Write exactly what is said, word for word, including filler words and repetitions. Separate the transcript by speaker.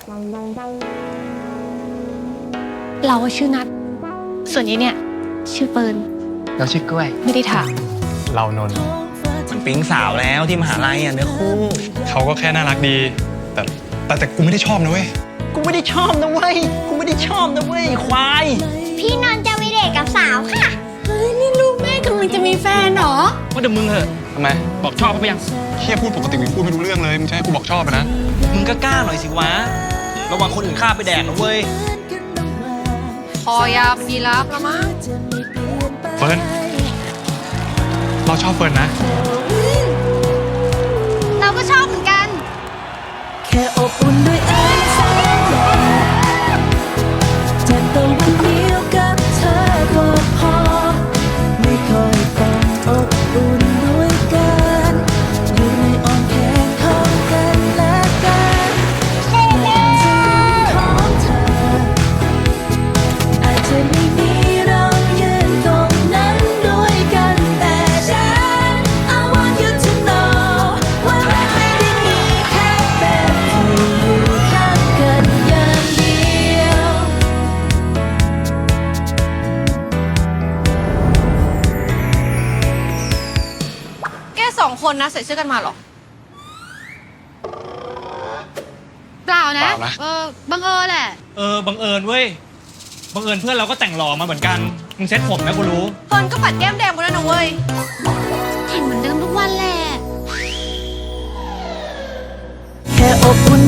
Speaker 1: เราชื่อนัทส่วนนี้เนี่ยชื่อเฟิร์น
Speaker 2: เราชื่อกล้วย
Speaker 1: ไม่ได้ถาม
Speaker 3: เรานนท์
Speaker 4: มันปิ๊งสาวแล้วที่มหาลัยอ่ะเนื้อคู่
Speaker 3: เขาก็แค่น่ารักดี แต่แต่แต่กูไม่ได้ชอบนะเว้ย
Speaker 4: กูไม่ได้ชอบนะเว้ย กูไม่ได้ชอบนะเว้ยควาย
Speaker 5: พี่นนท์จะไปเดทกับสาวค่ะ
Speaker 1: เฮ้ยนี่ลูกแม่กำลังจะมีแฟนเหรอ
Speaker 2: ว่าแต่มึงเหอะ
Speaker 3: ทำไม
Speaker 2: บอกชอบเขาไปยัง
Speaker 3: เฮียพูดปกติมึงพูดไม่รู้เรื่องเลย มึงจะให้กูบอกชอบอะนะ
Speaker 4: มึงก็กล้าหน่อยสิวะ ระวังคนอื่นฆ่าไปแดกนะเว้ย
Speaker 1: พอยายีราฟแล้วมั้ง
Speaker 3: เฟิร์น เราชอบเฟิร์นนะ
Speaker 5: เราก็ชอบเหมือนกัน
Speaker 6: แค่อบอุ่นด้วยไอ้แสงแดดแทนตะวันเดียวกับเธอก็พอ ไม่ค่อยต้องอบอุ่นด้วยกันอยู่ในอ้อมแขนของกันและกันของเธออาจจะไม่มีเรายืนตรงนั้นด้วยกันแต่ฉัน I want you to know ว่ารักไม่ได้มีแค่แบบเธออยู่ข้างกันอย่างเดียว
Speaker 1: แกสองคนนะใส่เสื้อกันมาเหรอ เปล่านะ
Speaker 3: เปล่านะ
Speaker 1: เออบังเอิญแหละ
Speaker 2: เออ บังเอิญเว้ย บังเอิญเพื่อนเราก็แต่งหล่อมาเหมือนกัน มึงเซ็ตผมนะกูรู้
Speaker 1: เฟิร์นก็ปัดแก้มแดงกูแล้วนะเว้ย เห็นเหมือนเดิมทุกวันแหละ
Speaker 6: แค่อบอุ่น